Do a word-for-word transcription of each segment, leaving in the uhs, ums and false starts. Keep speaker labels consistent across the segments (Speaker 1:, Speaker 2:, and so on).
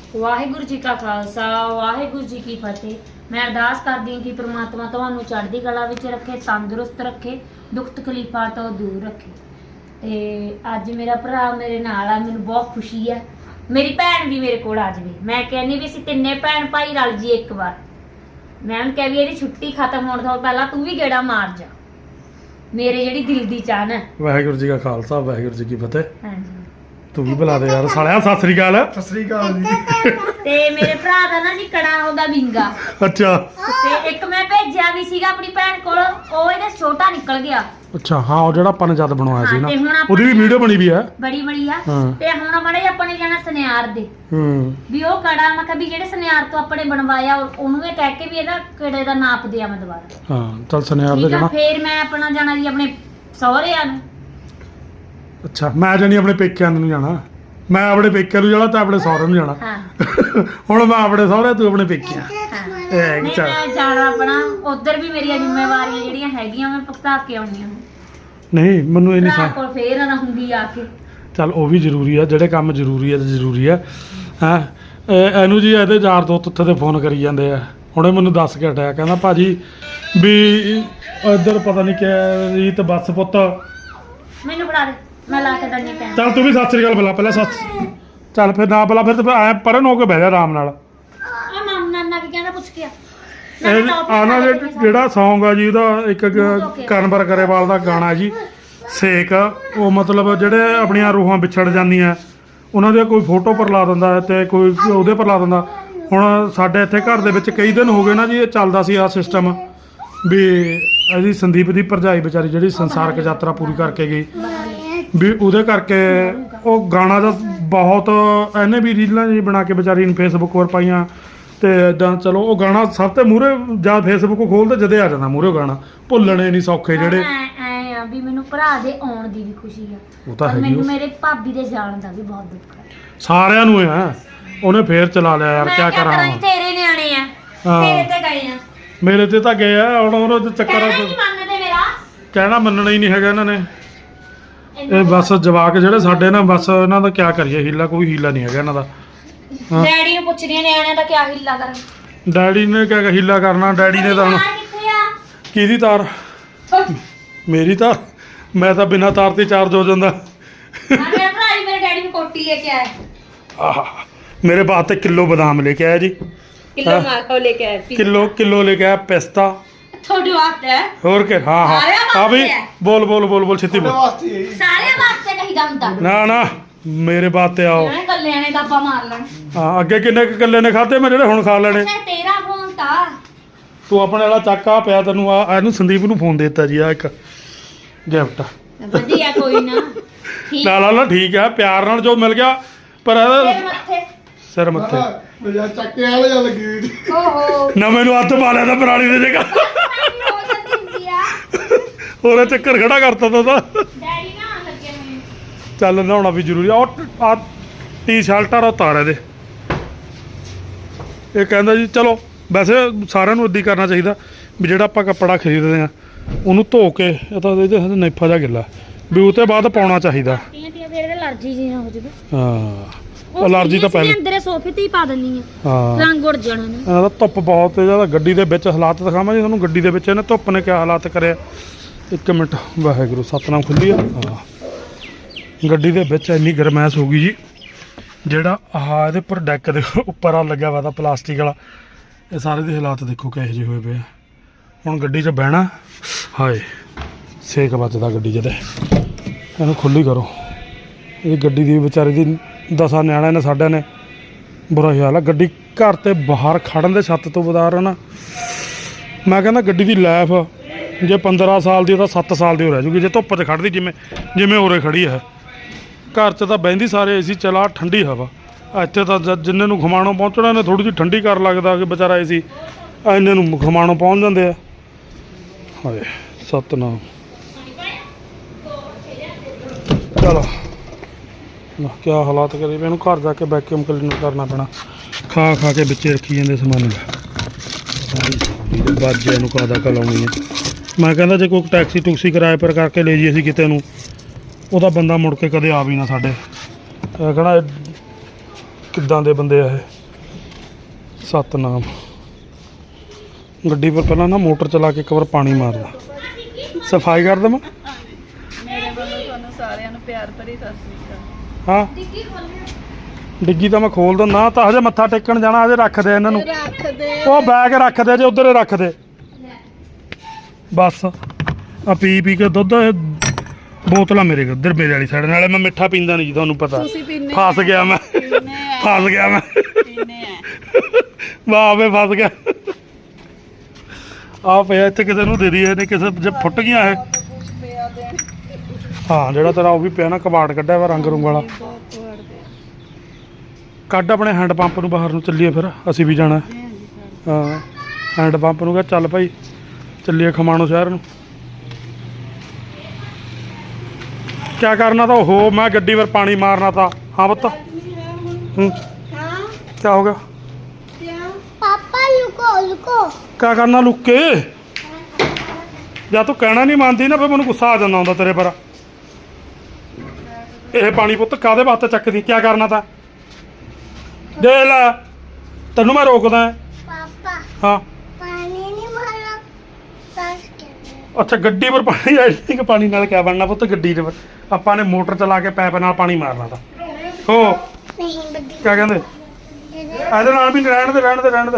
Speaker 1: ਵਾਹਿਗੁਰੂ ਜੀ ਕਾ ਖਾਲਸਾ ਵਾਹਿਗੁਰੂ ਜੀ ਕੀ ਫਤਿਹ। मैं अरदास करदी हूँ कि परमात्मा तुहानू चढ़दी कला विच रखे, तंदुरुस्त रखे, दुख तकलीफां तो दूर रखे। ते अज मेरा भरा मेरे नाल आ, मैनू बहुत खुशी है। मेरी भैन भी मेरे कोल आ जाए। मैं कहनी भी असीं तिन्ने भैन भाई रल जी एक बार। मैं उन्हें कह भी इहदी छुट्टी खत्म होने तो पहला तू भी गेड़ा मार जा, मेरे जिहड़ी दिल दी चाहन है।
Speaker 2: वाहिगुरू जी का खालसा वाहिगुरू जी की फतेह।
Speaker 1: हाँ जी
Speaker 2: तू भी बुला दे यार सालिया। सत श्री अकाल।
Speaker 3: सत श्री अकाल जी।
Speaker 1: ते मेरे भरा दा ना जी कड़ा होगा विंगा।
Speaker 2: अच्छा
Speaker 1: ते एक मैं भेजिया भी सीगा अपनी भैन कोल, ओ इहदा छोटा निकल गया।
Speaker 2: अच्छा हाँ वो ਜਿਹੜਾ ਆਪਾਂ ਨੇ ਜਦ ਬਣਵਾਇਆ ਸੀ
Speaker 1: हाँ,
Speaker 2: ਨਾ
Speaker 1: ते हुण
Speaker 2: ਉਹਦੀ ਵੀ ਵੀਡੀਓ ਬਣੀ ਵੀ ਹੈ
Speaker 1: बड़ी बड़ी आ।
Speaker 2: हाँ।
Speaker 1: ते हुण बड़े अपने जाना सुनियार दे
Speaker 2: ਹੂੰ
Speaker 1: ਵੀ ਉਹ ਕੜਾ ਮੈਂ ਕਿਹਾ ਵੀ ਜਿਹੜੇ ਸੁਨਿਆਰ ਤੋਂ ਆਪਣੇ ਬਣਵਾਇਆ ਉਹਨੂੰ ਇਹ ਕਹਿ ਕੇ ਵੀ ਇਹਦਾ ਕਿਹੜੇ ਦਾ ਨਾਪ ਦਿਆ ਮੈਂ ਦੁਬਾਰਾ।
Speaker 2: ਹਾਂ ਚੱਲ ਸੁਨਿਆਰ ਦੇ
Speaker 1: ਠੀਕ ਆ
Speaker 2: ਜਾਣਾ।
Speaker 1: ਫੇਰ ਮੈਂ ਆਪਣਾ ਜਾਣਾ ਜੀ ਆਪਣੇ ਸਹੁਰਿਆਂ ਨੂੰ।
Speaker 2: ਅੱਛਾ ਮੈਂ ਜਾਣੀ ਆਪਣੇ ਪੇਕਿਆਂ ਨੂੰ ਜਾਣਾ। ਮੈਂ ਆਪਣੇ ਪੇਕਿਆਂ ਨੂੰ ਜਾਣਾ ਤਾਂ ਆਪਣੇ ਸਹੁਰੇ ਨੂੰ ਜਾਣਾ।
Speaker 1: ਹਾਂ
Speaker 2: ਹੁਣ ਮੈਂ ਆਪਣੇ ਸਹੁਰੇ ਤੂੰ ਆਪਣੇ ਪੇਕਿਆਂ।
Speaker 1: ਹਾਂ
Speaker 2: ਇਹ
Speaker 1: ਨਹੀਂ
Speaker 2: ਚੱਲ
Speaker 1: ਮੈਂ ਜਾਣਾ ਆਪਣਾ ਉਧਰ ਵੀ ਮੇਰੀਆਂ ਜ਼ਿੰਮੇਵਾਰੀਆਂ ਜਿਹੜੀਆਂ ਹੈਗੀਆਂ ਮੈਂ ਭੁਗਤਾ ਕੇ ਆਉਣੀਆਂ।
Speaker 2: ਨਹੀਂ ਮੈਨੂੰ ਇਹ ਨਹੀਂ
Speaker 1: ਭਰਾ
Speaker 2: ਸਾ
Speaker 1: ਕੋਲ ਫੇਰ ਨਾ ਹੁੰਦੀ ਆ ਕੇ।
Speaker 2: ਚੱਲ ਉਹ ਵੀ ਜ਼ਰੂਰੀ ਆ, ਜਿਹੜੇ ਕੰਮ ਜ਼ਰੂਰੀ ਆ ਤੇ ਜ਼ਰੂਰੀ ਆ। ਹਾਂ ਇਹਨੂੰ ਜੀ ਇਹਦੇ ਯਾਰ ਦੋਸਤ ਉੱਥੇ ਤੇ ਫੋਨ ਕਰੀ ਜਾਂਦੇ ਆ। ਹੁਣੇ ਮੈਨੂੰ ਦੱਸ ਕੇ ਹਟਿਆ ਕਹਿੰਦਾ ਭਾਜੀ ਵੀ ਇੱਧਰ ਪਤਾ ਨਹੀਂ ਕਿ ਰੀਤ ਬੱਸ ਪੁੱਤ।
Speaker 1: ਮੈਨੂੰ ਫੜਾ ਦੇ ਮੈਂ ਲਾ ਕੇ ਦੰਨੀ ਟਾਈਮ।
Speaker 2: ਚੱਲ ਤੂੰ ਵੀ ਸਤਿ ਸ੍ਰੀ ਅਕਾਲ ਬੁਲਾ ਪਹਿਲਾਂ। ਸੱਤ ਚੱਲ ਫਿਰ ਨਾ ਬੁਲਾ, ਫਿਰ ਤੇ ਐ ਪਰਨ ਹੋ ਕੇ ਬਹਿ ਜਾ ਆਰਾਮ ਨਾਲ।
Speaker 1: ਆ ਮਾਮ ਨਾਨਾ ਕੀ ਕਹਿੰਦਾ ਪੁੱਛ ਕੇ ਆ।
Speaker 2: ਇਹ ਆਨਾ ਜਿਹੜਾ ਸੌਂਗ ਆ ਜੀ ਉਹਦਾ ਇੱਕ ਕਨਵਰ ਕਰੇਵਾਲ ਦਾ ਗਾਣਾ ਜੀ ਸੇਕ। ਉਹ ਮਤਲਬ ਜਿਹੜੇ ਆਪਣੀਆਂ ਰੂਹਾਂ ਵਿਛੜ ਜਾਂਦੀਆਂ ਉਹਨਾਂ ਦੇ ਕੋਈ ਫੋਟੋ ਪਰ ਲਾ ਦਿੰਦਾ ਤੇ ਕੋਈ ਉਹਦੇ ਪਰ ਲਾ ਦਿੰਦਾ। ਹੁਣ ਸਾਡੇ ਇੱਥੇ ਘਰ ਦੇ ਵਿੱਚ ਕਈ ਦਿਨ ਹੋ ਗਏ ਨਾ ਜੀ ਇਹ ਚੱਲਦਾ ਸੀ ਆ ਸਿਸਟਮ ਵੀ ਇਹਦੀ ਸੰਦੀਪ ਦੀ ਭਰਜਾਈ ਵਿਚਾਰੀ ਜਿਹੜੀ ਸੰਸਾਰਕ ਯਾਤਰਾ ਪੂਰੀ ਕਰਕੇ ਗਈ ਵੀ ਉਹਦੇ ਕਰਕੇ ਉਹ ਗਾਣਾ ਦਾ ਬਹੁਤ ਇਹਨੇ ਵੀ ਰੀਲਾਂ ਜੀ ਬਣਾ ਕੇ ਵਿਚਾਰੀ ਨੂੰ ਫੇਸਬੁੱਕ 'ਤੇ ਪਾਈਆਂ ਤੇ ਇਦਾਂ। ਚਲੋ ਉਹ ਗਾਣਾ ਸਭ ਤੋਂ ਮੂਹਰੇ ਜਾਂ ਫੇਸਬੁੱਕ ਖੋਲਦੇ ਜਦੇ ਆ ਜਾਂਦਾ ਮੂਹਰੇ ਗਾਣਾ। ਭੁੱਲਣੇ ਨਹੀਂ ਸੌਖੇ ਜਿਹੜੇ।
Speaker 1: ਐ ਆ ਵੀ ਮੈਨੂੰ ਭਰਾ ਦੇ ਆਉਣ ਦੀ ਵੀ ਖੁਸ਼ੀ ਆ,
Speaker 2: ਉਹ ਤਾਂ
Speaker 1: ਪਰ
Speaker 2: ਹੈਗੀ
Speaker 1: ਮੈਨੂੰ
Speaker 2: ਉਹ।
Speaker 1: ਮੇਰੇ ਭਾਬੀ ਦੇ ਜਾਣ ਦਾ ਵੀ ਬਹੁਤ ਦੁੱਖ ਹੈ।
Speaker 2: ਸਾਰਿਆਂ ਨੂੰ ਆ ਉਹਨੇ ਫੇਰ ਚਲਾ ਲਿਆ ਯਾਰ।
Speaker 1: ਮੈਂ
Speaker 2: ਕਿਆ
Speaker 1: ਕਿਆ
Speaker 2: ਕਰਾਂ
Speaker 1: ਕਰਾਂ ਜੀ, ਤੇਰੇ ਨਿਆਣੇ ਆ
Speaker 2: ਹਾਂ।
Speaker 1: ਤੇਰੇ ਤੇ ਗਏ ਆ।
Speaker 2: ਮੇਰੇ ਤੇ ਤਾਂ ਗਏ ਆ ਹੁਣ ਉਹਨਾਂ ਦੇ ਚੱਕਰ
Speaker 1: ਕਹਿਣਾ ਨਹੀਂ ਮੰਨਦੇ ਮੇਰਾ।
Speaker 2: ਕਹਿਣਾ ਮੰਨਣਾ ਹੀ ਨਹੀਂ ਹੈਗਾ ਇਹਨਾਂ ਨੇ।
Speaker 1: ਇਹਨਾਂ
Speaker 2: ਇਹ ਬਸ ਜਵਾਕ ਜਿਹੜੇ ਸਾਡੇ ਨਾ ਬਸ ਇਹਨਾਂ ਦਾ ਕਿਆ ਕਰੀਏ, ਹੀਲਾ ਕੋਈ ਹੀਲਾ ਨਹੀਂ ਹੈਗਾ ਇਹਨਾਂ ਦਾ। ਹਾਂ।
Speaker 1: ਡੈਡੀ ਨੂੰ ਪੁੱਛਦੀਆਂ ਨਿਆਣਿਆਂ ਦਾ ਕਿਆ ਹਿੱਲਾ ਕਰਨ।
Speaker 2: ਡੈਡੀ ਨੇ ਕਿਆ ਹੀਲਾ ਕਰਨਾ। ਡੈਡੀ ਨੇ ਤਾਂ ਹੁਣ
Speaker 1: ਤਾਰ ਕਿੱਥੇ ਆ?
Speaker 2: ਕਿਹਦੀ ਤਾਰ? ਮੇਰੀ ਤਾਰ? ਮੈਂ ਤਾਂ ਬਿਨਾਂ ਤਾਰ ਤੇ ਚਾਰਜ ਹੋ ਜਾਂਦਾ।
Speaker 1: ਹਾਂ ਮੇਰਾ ਭਰਾ ਜੀ ਮੇਰੇ ਡੈਡੀ ਨੂੰ ਕੋਟੀ ਲੈ ਕੇ ਆਇਆ।
Speaker 2: ਆਹ ਮੇਰੇ ਵਾਸਤੇ ਕਿਲੋ ਬਦਾਮ ਲੈ ਕੇ ਆਇਆ ਜੀ।
Speaker 1: ਕਿਲੋ
Speaker 2: ਹਾਂ।
Speaker 1: ਮਾਖੋ ਲੈ ਕੇ ਆਇਆ।
Speaker 2: ਕਿਲੋ ਕਿਲੋ ਲੈ ਕੇ ਆਇਆ ਪਿਸਤਾ।
Speaker 1: ਤੁਹਾਡੇ ਵਾਸਤੇ ਹੈ।
Speaker 2: ਹੋਰ ਕਿ ਹਾਂ ਹਾਂ
Speaker 1: ਸਾਰਿਆਂ
Speaker 2: ਆ ਵੀ
Speaker 1: ਵਾਸਤੇ ਹੈ।
Speaker 2: ਬੋਲ ਬੋਲ ਬੋਲ ਬੋਲ ਛੇਤੀ ਬੋਲ।
Speaker 3: ਵਾਸਤੇ ਹੀ।
Speaker 1: ਸਾਰਿਆਂ ਵਾਸਤੇ ਕਹੀ ਦਮਦਾ।
Speaker 2: ਨਾ ਨਾ ਮੇਰੇ ਵਾਸਤੇ ਆਓ।
Speaker 1: ਇਹਨਾਂ ਕੱਲਿਆਂ ਨੇ ਦਾਬਾ ਮਾਰ ਲੈਣ।
Speaker 2: ਹਾਂ ਅੱਗੇ ਕਿੰਨੇ ਕੁ ਇਕੱਲੇ ਨੇ ਖਾਦੇ ਮੈਂ ਜਿਹੜੇ ਹੁਣ ਖਾ ਲੈਣੇ।
Speaker 1: ਅੱਛਾ ਤੇਰਾ ਫੋਨ ਤਾਂ
Speaker 2: ਤੂੰ ਆਪਣੇ ਵਾਲਾ ਚੱਕ ਆ ਪਿਆ ਤੈਨੂੰ ਆ ਇਹਨੂੰ ਸੰਦੀਪ ਨੂੰ ਫੋਨ ਦੇ ਦਿੱਤਾ ਜੀ ਆ ਇੱਕ ਗਿਫਟ।
Speaker 1: ਵਧੀਆ ਕੋਈ ਨਾ ਠੀਕ
Speaker 2: ਨਾ ਲਾ ਲਾ ਠੀਕ ਆ ਪਿਆਰ ਨਾਲ ਜੋ ਮਿਲ ਗਿਆ ਪਰ ਇਹਦਾ
Speaker 1: ਤੇਰੇ ਮੱਥੇ।
Speaker 2: ਸਿਰ ਮੱਥੇ
Speaker 3: ਮੇਰਾ ਚੱਕੇ ਵਾਲੇ ਜਾਂ ਲੱਗੀ ਹੋਈ ਸੀ।
Speaker 1: ਓਹੋ
Speaker 2: ਨਾ ਮੈਨੂੰ ਹੱਥ ਪਾ ਲਿਆ ਤਾਂ ਪੁਰਾਣੀ ਦੇ ਜਗ੍ਹਾ
Speaker 1: ਹੋ ਜਾਂਦੀ ਹੁੰਦੀ ਆ।
Speaker 2: ਹੋਰ ਚੱਕਰ ਖੜਾ ਕਰਤਾ ਤਾ ਉਹਦਾ।
Speaker 1: ਡੈਡੀ ਨਾ ਲੱਗੇ ਮੈਨੂੰ।
Speaker 2: ਚੱਲ ਨਹਾਉਣਾ ਵੀ ਜ਼ਰੂਰੀ ਆ। ਉਹ ਆ ਟੀ-ਸ਼ਰਟ ਆ ਉਤਾਰ ਇਹਦੇ। ਇਹ ਕਹਿੰਦਾ ਜੀ ਚਲੋ ਵੈਸੇ ਸਾਰਿਆਂ ਨੂੰ ਇੱਦਾਂ ਹੀ ਕਰਨਾ ਚਾਹੀਦਾ ਵੀ ਜਿਹੜਾ ਆਪਾਂ ਕੱਪੜਾ ਖਰੀਦਦੇ ਆ ਉਹਨੂੰ ਧੋ ਕੇ ਇਹ ਤਾਂ ਇਹਦੇ ਨੇਫਾ ਜਿਹਾ ਗਿੱਲਾ ਵੀ ਉਹ ਤੋਂ ਬਾਅਦ ਪਾਉਣਾ ਚਾਹੀਦਾ।
Speaker 1: ਤੀਆਂ ਤੀਆਂ ਫੇਰ ਅਲਰਜੀ ਜੀ ਨਾ ਹੋ ਜਾਵੇ।
Speaker 2: ਹਾਂ ਅਲਰਜੀ ਤਾਂ ਪਹਿਲੇ
Speaker 1: ਅੰਦਰੇ ਸੋਫੇ ਤੇ ਹੀ ਪਾ ਦਿੰਨੀ ਆ।
Speaker 2: ਹਾਂ
Speaker 1: ਰੰਗ ਉੜ ਜਾਣਾ ਨਾ।
Speaker 2: ਇਹਨਾਂ ਦਾ ਧੁੱਪ ਬਹੁਤ ਹੈ ਜਿਆਦਾ। ਗੱਡੀ ਦੇ ਵਿੱਚ ਹਾਲਾਤ ਦਿਖਾਵਾਂ ਜੀ ਤੁਹਾਨੂੰ ਗੱਡੀ ਦੇ ਵਿੱਚ ਇਹਨੇ ਧੁੱਪ ਨੇ ਕਿਆ ਹਾਲਾਤ ਕਰਿਆ। ਇੱਕ ਮਿੰਟ ਵਾਹਿਗੁਰੂ ਸਤਨਾਮ ਖੁੱਲੀ ਆ। ਹਾਂ ਗੱਡੀ ਦੇ ਵਿੱਚ ਇੰਨੀ ਗਰਮੈਸ਼ ਹੋ ਗਈ ਜੀ ਜਿਹੜਾ ਆਹ ਇਹਦੇ ਉੱਪਰ ਡੈਕ ਦੇ ਉੱਪਰ ਆ ਲੱਗਿਆ ਵਾ ਤਾਂ ਪਲਾਸਟਿਕ ਵਾਲਾ। ਇਹ ਸਾਰੇ ਦੇ ਹਾਲਾਤ ਦੇਖੋ ਕਿਹੋ ਜਿਹੇ ਹੋਏ ਪਏ ਆ। ਹੁਣ ਗੱਡੀ 'ਚ ਬਹਿਣਾ ਹਾਏ ਸੇਕ ਵੱਜਦਾ ਗੱਡੀ 'ਚ ਤੇ ਇਹਨੂੰ ਖੁੱਲੀ ਕਰੋ। ਇਹ ਗੱਡੀ ਦੀ ਵਿਚਾਰੇ ਦੀ ਦਸਾਂ ਨਿਆਣਿਆਂ ਨੇ ਸਾਡਿਆਂ ਨੇ ਬੁਰਾ ਹਾਲ ਆ। ਗੱਡੀ ਘਰ ਤੇ ਬਾਹਰ ਖੜਨ ਦੇ ਛੱਤ ਤੋਂ ਬਦਾਰ ਨਾ ਮੈਂ ਕਹਿੰਦਾ ਗੱਡੀ ਦੀ ਲਾਈਫ ਜੇ ਪੰਦਰਾਂ ਸਾਲ ਦੀ ਤਾਂ ਸੱਤ ਸਾਲ ਦੀ ਹੋ ਰਹਿ ਜੂਗੀ ਜੇ ਧੁੱਪ 'ਚ ਖੜਦੀ ਜਿਵੇਂ ਜਿਵੇਂ ਉਰੇ ਖੜੀ ਹੈ। ਘਰ 'ਚ ਤਾਂ ਬਹਿੰਦੀ ਸਾਰੇ ਏ ਸੀ ਚਲਾ ਠੰਡੀ ਹਵਾ। ਇੱਥੇ ਤਾਂ ਜ ਜਿੰਨੇ ਨੂੰ ਖਮਾਣੋਂ ਪਹੁੰਚਣਾ ਨੇ ਥੋੜ੍ਹੀ ਜਿਹੀ ਠੰਡੀ ਕਰ ਲੱਗਦਾ ਕਿ ਵਿਚਾਰਾ ਏ ਸੀ ਇੰਨੇ ਨੂੰ ਖਮਾਣੋਂ ਪਹੁੰਚ ਜਾਂਦੇ ਆ। ਹਾਏ ਸਤਨਾਮ ਚਲੋ ਨਾ ਕਿਆ ਹਾਲਾਤ ਕਰੇ ਵੀ ਇਹਨੂੰ ਘਰ ਜਾ ਕੇ ਵੈਕਿਊਮ ਕਲੀਨਰ ਕਰਨਾ ਪੈਣਾ। ਖਾ ਖਾ ਕੇ ਵਿੱਚੇ ਰੱਖੀ ਜਾਂਦੇ ਸਮਾਨ ਬਾਜੇ ਨੂੰ ਕਾਦਾ ਕਲਾਉਣੀ ਹੈ। ਮੈਂ ਕਹਿੰਦਾ ਜੇ ਕੋਈ ਟੈਕਸੀ ਟੁਕਸੀ ਕਿਰਾਏ ਪਰ ਕਰਕੇ ਲੈ ਜੀ ਅਸੀਂ ਕਿਤੇ ਨੂੰ ਉਹਦਾ ਬੰਦਾ ਮੁੜ ਕੇ ਕਦੇ ਆ ਵੀ ਨਾ ਸਾਡੇ। ਕਹਣਾ ਕਿੱਦਾਂ ਦੇ ਬੰਦੇ ਆ ਇਹ। ਸਤਨਾਮ। ਗੱਡੀ ਪਰ ਪਹਿਲਾਂ ਨਾ ਮੋਟਰ ਚਲਾ ਕੇ ਇੱਕ ਵਾਰ ਪਾਣੀ ਮਾਰਦਾ, ਸਫਾਈ ਕਰ ਦੇਵਾਂ।
Speaker 4: ਮੇਰੇ ਵੱਲੋਂ ਤੁਹਾਨੂੰ ਸਾਰਿਆਂ ਨੂੰ ਪਿਆਰ ਭਰੀ ਸਤਿ ਸ੍ਰੀ ਅਕਾਲ।
Speaker 2: ਹਾਂ ਡਿੱਗੀ ਤਾਂ ਮੈਂ ਖੋਲ ਦਿੰਦਾ, ਤਾਂ ਹਜੇ ਮੱਥਾ ਟੇਕਣ ਜਾਣਾ, ਹਜੇ ਰੱਖ ਦੇ ਇਹਨਾਂ ਨੂੰ।
Speaker 4: ਰੱਖ ਦੇ
Speaker 2: ਉਹ ਬੈਗ ਰੱਖ ਦੇ ਜੇ ਉਧਰ ਹੀ ਰੱਖ ਦੇ ਬਸ। ਆ ਪੀ ਪੀ ਕੇ ਦੁੱਧ ਬੋਤਲਾਂ ਮੇਰੇ ਕੋਲ ਉਧਰ ਮੇਰੇ ਵਾਲੀ ਸਾਈਡ। ਨਾਲੇ ਮੈਂ ਮਿੱਠਾ ਪੀਂਦਾ ਨਹੀਂ ਜੀ, ਤੁਹਾਨੂੰ ਪਤਾ।
Speaker 4: ਤੁਸੀਂ ਪੀਨੇ
Speaker 2: ਫਸ ਗਿਆ ਮੈਂ,
Speaker 4: ਪੀਨੇ ਆ
Speaker 2: ਫਸ ਗਿਆ ਮੈਂ,
Speaker 4: ਪੀਨੇ ਆ
Speaker 2: ਵਾਹ ਵੇ ਫਸ ਗਿਆ। ਆ ਪਿਆ ਇੱਥੇ, ਕਿਸੇ ਨੂੰ ਦੇ ਦਈਏ, ਨੇ ਕਿਸੇ ਜੇ ਫੁੱਟ ਗਈਆਂ ਇਹ।
Speaker 4: ਕੁਝ ਪਿਆ ਦੇਣ
Speaker 2: ਹਾਂ ਜਿਹੜਾ ਤੇਰਾ ਉਹ ਵੀ ਪਿਆ ਨਾ, ਕਬਾੜ ਕੱਢਿਆ ਵਾ ਰੰਗ ਰੁੰਗ ਵਾਲਾ।
Speaker 4: ਬਹੁਤ ਵੜਦੇ
Speaker 2: ਕੱਢ ਆਪਣੇ ਹੈਂਡ ਪੰਪ ਨੂੰ ਬਾਹਰ ਨੂੰ, ਚੱਲੀਏ ਫਿਰ ਅਸੀਂ ਵੀ ਜਾਣਾ। ਹਾਂ ਹੈਂਡ ਪੰਪ ਨੂੰ ਕਹ ਚੱਲ ਭਾਈ ਚੱਲੀਏ ਖਮਾਣੋ ਸ਼ਹਿਰ ਨੂੰ। ਕਿਆ ਕਰਨਾ ਤਾਂ ਉਹ ਮੈਂ ਗੱਡੀ ਪਰ ਪਾਣੀ ਮਾਰਨਾ ਤਾਂ। ਹਾਂ ਪੁੱਤ ਹੂੰ ਕਿਆ ਹੋ ਗਿਆ?
Speaker 5: पापा लुको लुको
Speaker 2: ਕਿਆ ਕਰਨਾ ਲੁੱਕ ਕੇ? ਜਾਂ ਤੂੰ ਕਹਿਣਾ ਨਹੀਂ ਮੰਨਦੀ ਨਾ, ਫਿਰ ਮੈਨੂੰ ਗੁੱਸਾ ਆ ਜਾਂਦਾ ਹੁੰਦਾ ਤੇਰੇ ਪਰ। ਇਹ ਪਾਣੀ ਪੁੱਤ ਕਾਹਦੇ ਵਾਸਤੇ ਚੱਕਦੀ? ਕਿਆ ਕਰਨਾ ਤਾਂ ਦੇ ਲੈ, ਤੈਨੂੰ ਮੈਂ ਰੋਕਦਾ।
Speaker 5: पापा
Speaker 2: ਹਾਂ
Speaker 5: पानी नहीं मारा सांस के
Speaker 2: ਅੱਛਾ ਗੱਡੀ ਪਰ ਪਾਣੀ ਆਈ ਕਿ ਪਾਣੀ ਨਾਲ ਕਿਆ ਬਣਨਾ ਪੁੱਤ? ਗੱਡੀ ਦੇ ਪਰ ਆਪਾਂ ਨੇ ਮੋਟਰ ਚਲਾ ਕੇ ਪੈਪ ਨਾਲ ਪਾਣੀ ਮਾਰਨਾ ਤਾਂ। ਹੋ
Speaker 5: नहीं बड़ी
Speaker 2: ਕਿਆ ਕਹਿੰਦੇ? ਇਹਦੇ ਨਾਲ ਵੀ ਰਹਿਣ ਦੇ ਰਹਿਣ ਦੇ ਰਹਿਣ ਦੇ।